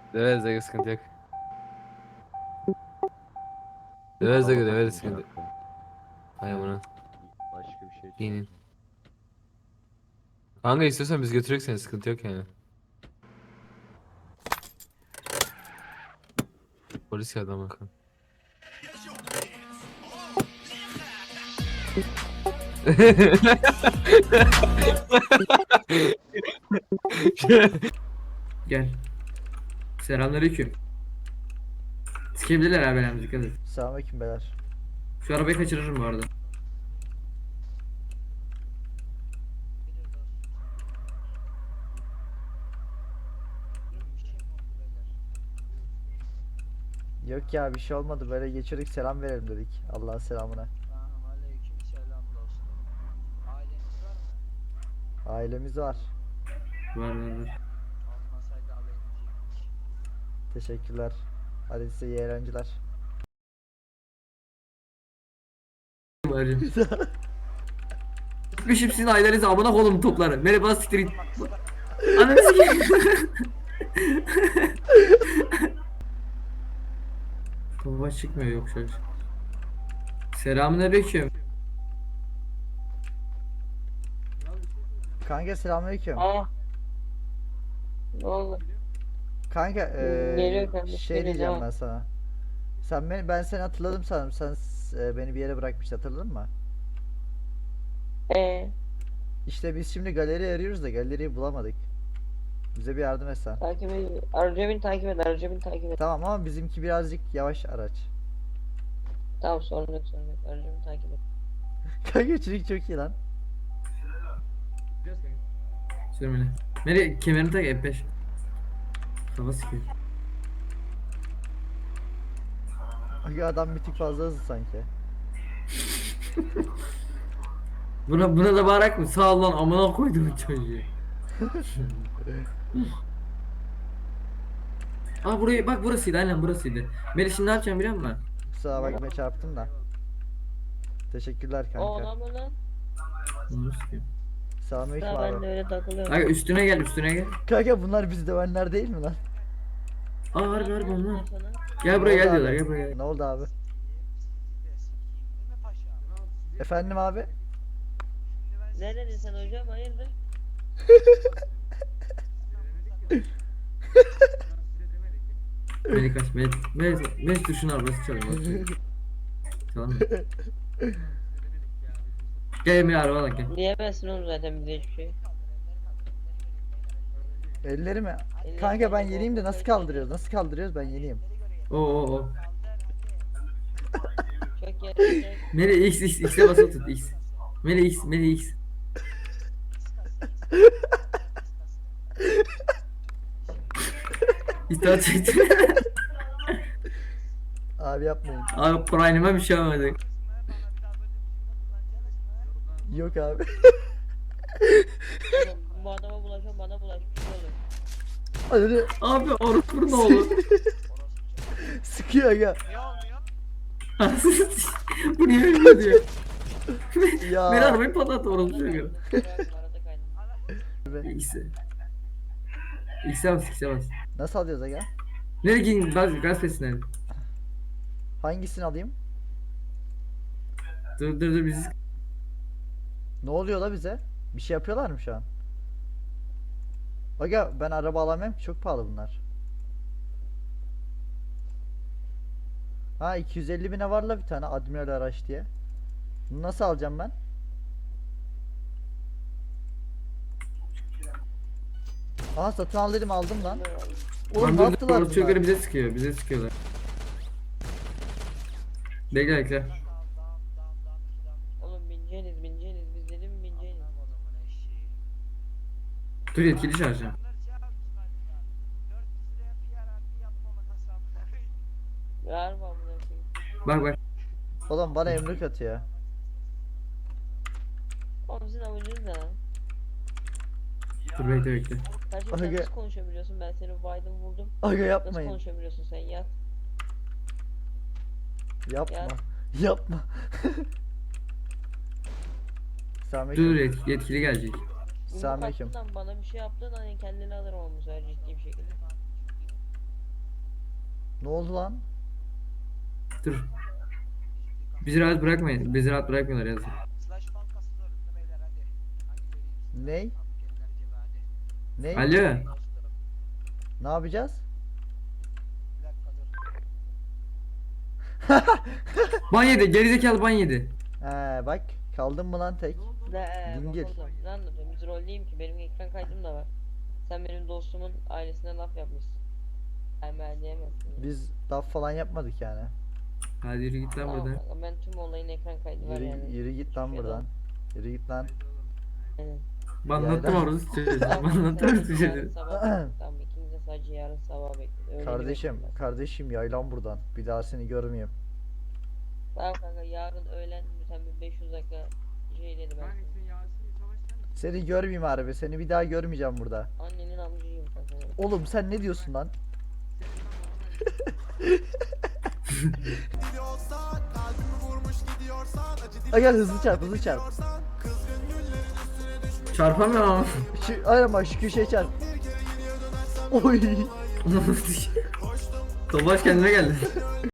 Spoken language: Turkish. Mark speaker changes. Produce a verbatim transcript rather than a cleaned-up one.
Speaker 1: Döveriz aga, sıkıntı yok. Döveriz aga,
Speaker 2: Araba
Speaker 1: döveriz,
Speaker 2: takılmış
Speaker 1: sıkıntı yok.
Speaker 2: hatta.
Speaker 1: Hay amına.
Speaker 2: Başka bir şey
Speaker 1: İnin.
Speaker 2: çalışmıyor.
Speaker 1: Kanka istiyorsan biz götürürük seni, sıkıntı yok yani. Polis geldi ama kan.
Speaker 3: Gel. Selamünaleyküm. Sikebilirler abi, benim dikkat et.
Speaker 4: Selamünaleyküm beyler.
Speaker 3: Şu arabayı kaçırırım bu arada.
Speaker 4: Yok ya, bir şey olmadı, böyle geçirdik, selam verelim dedik. Allah'ın selamına.
Speaker 5: Tamam, aleykümselam dostum. Aileniz var mı?
Speaker 4: Ailemiz var.
Speaker 3: Var var var.
Speaker 5: Olmasaydı alayım.
Speaker 4: Teşekkürler. Hadi size iyi eğlenceler.
Speaker 3: Varım. Gitmişim sizin ailenize, amına koydum topları. Merhaba, siktir git. Ananı sikeyim. Kafa çıkmıyor, yok şöyle. Selamünaleyküm.
Speaker 4: Kanka selamünaleyküm.
Speaker 6: Aa. Ne oldu?
Speaker 4: Kanka eee,
Speaker 6: Geliyor kardeşim,
Speaker 4: şey
Speaker 6: geliyor,
Speaker 4: diyeceğim
Speaker 6: devam.
Speaker 4: ben sana. Sen beni, ben seni hatırladım sanırım. Sen e, beni bir yere bırakmıştın, hatırladın mı?
Speaker 6: Ee,
Speaker 4: İşte biz şimdi galeri arıyoruz da galeriyi bulamadık. Bize bir yardım etsen.
Speaker 6: takip et. Aracı beni takip et. Aracı beni takip et.
Speaker 4: Tamam ama bizimki birazcık yavaş araç.
Speaker 6: Tamam, sorun yok, sorun yok. Aracı beni takip et.
Speaker 4: Kanka çocuk çok iyi lan.
Speaker 3: Sürmeli. Nereye? Kemerini tak, F beş. Kafa sikiyor.
Speaker 4: Kanka adam bir tık fazla hızlı sanki.
Speaker 3: Buna, buna da bağırak mı? Sağ ol lan, amına koydum çocuğu. Aa, burayı bak, burasıydı, aynen burasıydı. Melih, şimdi ne yapacağım biliyor musun?
Speaker 4: Kusura bakma, çarptım da. Teşekkürler
Speaker 6: O
Speaker 4: kanka.
Speaker 6: adam mı lan?
Speaker 3: Bunu sikeyim.
Speaker 4: Selamünaleyküm
Speaker 6: Daha ben
Speaker 4: abi.
Speaker 6: de öyle takılıyorum.
Speaker 3: Kanka üstüne gel, üstüne gel.
Speaker 4: Kanka bunlar bizi dövenler değil mi lan?
Speaker 3: Aa, harbi harbi onlar.
Speaker 6: Sana.
Speaker 3: Gel buraya
Speaker 4: Ne
Speaker 3: gel
Speaker 4: oldu
Speaker 3: diyorlar,
Speaker 4: abi?
Speaker 3: gel buraya gel.
Speaker 4: Ne oldu abi?
Speaker 5: Değil mi paşa?
Speaker 4: Efendim abi?
Speaker 6: Ne dedin sen hocam? Hayırdır?
Speaker 3: Melih kaç, Melih. Melih, Melih dur, şunu arabası çalıyor. Tamam mı? Gel Emre, arabadan gel.
Speaker 6: Diyemezsin oğlum zaten bize hiçbir şey.
Speaker 4: Elleri mi?
Speaker 6: Elleri
Speaker 4: Kanka ben
Speaker 6: mi?
Speaker 4: yeneyim de nasıl kaldırıyoruz? Nasıl kaldırıyoruz? Ben yeneyim.
Speaker 3: Oo oo oo.
Speaker 6: Çok yerinde.
Speaker 3: Melih X X X'e basılı tut, X. Melih X, Melih X. İstihar çekti.
Speaker 4: Abi yapmayın.
Speaker 3: Abi Prime'e bir şey olmadı.
Speaker 4: Yok abi.
Speaker 6: Oğlum, bu adama bulaşan bana bulaş. Bir şey olur.
Speaker 4: Hadi
Speaker 3: Abi orospu ne olur.
Speaker 4: sıkıyor ya.
Speaker 3: Bu niye ölmüyor diyor.
Speaker 4: Ya.
Speaker 3: Beni arabayı patlattı, orospu çocuğu.
Speaker 6: Arada kaydım.
Speaker 3: X'e. X'e bas, X'e bas.
Speaker 4: Nasıl alıyoruz aga?
Speaker 3: Nereye gidin? Gaz, gaz pesine.
Speaker 4: Hangisini alayım?
Speaker 3: Dur dur dur, bizi.
Speaker 4: Ne oluyor la bize? Bir şey yapıyorlar mı şu an? Aga ben araba alamam ki, çok pahalı bunlar. Ha iki yüz elli bine var la bir tane Admiral araç diye. Bunu nasıl alacağım ben? Aha satın al dedim, aldım lan. Oğlum
Speaker 3: Lan
Speaker 4: ne
Speaker 3: dur dur,
Speaker 4: yaptılar
Speaker 3: orospu çocukları
Speaker 4: bunlar?
Speaker 3: bize sıkıyor, bize sıkıyorlar. Bekle bekle.
Speaker 6: Oğlum bineceğiniz bineceğiniz. Biz dedim mi bineceğiniz?
Speaker 3: Dur, yetkili çağıracağım.
Speaker 6: Ver mi amına koyayım?
Speaker 3: Bak bak.
Speaker 4: Oğlum bana emrik atıyor.
Speaker 6: Oğlum sizin amacınız ne lan?
Speaker 3: Dur bekle bekle.
Speaker 6: Kardeşim sen
Speaker 4: Aga.
Speaker 6: nasıl konuşabiliyorsun? Ben seni Biden vurdum.
Speaker 4: Aga
Speaker 6: Nasıl
Speaker 4: yapmayın.
Speaker 6: konuşabiliyorsun sen? Yat.
Speaker 4: Yapma.
Speaker 6: Ya.
Speaker 4: Yapma.
Speaker 3: Dur
Speaker 4: Selamünaleyküm.
Speaker 3: yetkili, yetkili gelecek.
Speaker 6: Yumruk
Speaker 4: Selamünaleyküm.
Speaker 6: attın lan, bana bir şey yaptın, hani kendini alırım ama bu sefer ciddi bir şekilde.
Speaker 4: Ne oldu lan?
Speaker 3: Dur. Bizi rahat bırakmayın. Bizi rahat bırakmıyorlar yazık.
Speaker 5: Slash bankası zorunda beyler hadi. Hadi göreyim sizi.
Speaker 4: Ney?
Speaker 5: Fabrikeler gibi hadi.
Speaker 4: Ne?
Speaker 3: Alo.
Speaker 5: Dostum.
Speaker 4: Ne yapacağız?
Speaker 5: Bir dakika dur.
Speaker 3: Ban yedi. Gerizekalı ban yedi.
Speaker 4: He bak kaldın mı lan tek?
Speaker 6: Ne ee,
Speaker 4: Dingil.
Speaker 6: bak oğlum, ne anlatıyorum? Biz rolleyim ki benim ekran kaydım da var. Sen benim dostumun ailesine laf yapmışsın. Ben ben diyemezsin. ya.
Speaker 4: Biz laf falan yapmadık yani.
Speaker 3: Hadi yürü git lan
Speaker 6: Tamam
Speaker 3: buradan.
Speaker 6: kanka, ben tüm olayın ekran kaydı var
Speaker 4: Yürü,
Speaker 6: yani.
Speaker 4: yürü git lan
Speaker 6: Hiçbir şey
Speaker 4: buradan. Yürü git lan.
Speaker 6: Aynen.
Speaker 3: Banlattım
Speaker 4: Yaylan.
Speaker 3: orası çocuğu.
Speaker 6: Tamam,
Speaker 3: Banlattım
Speaker 6: sadece
Speaker 3: orası
Speaker 6: yarın
Speaker 3: çocuğu.
Speaker 6: sabah- Tamam ikimiz de sadece yarın sabah bekliyoruz. Öyle
Speaker 4: Kardeşim,
Speaker 6: bekliyorum ben.
Speaker 4: kardeşim yaylan buradan. Bir daha seni görmeyeyim.
Speaker 6: Tamam kanka yarın öğlen lütfen bir beş yüz dakika şey dedi ben. sana.
Speaker 4: Seni görmeyeyim harbi. Seni bir daha görmeyeceğim burada.
Speaker 6: Annenin amcıyım kanka.
Speaker 4: Oğlum sen ne diyorsun lan? Aga hızlı çarp, hızlı çarp.
Speaker 3: Çarpamıyorum.
Speaker 4: Şu, aynen bak şu köşeye çarp. Oy.
Speaker 3: Tobaş kendine geldi.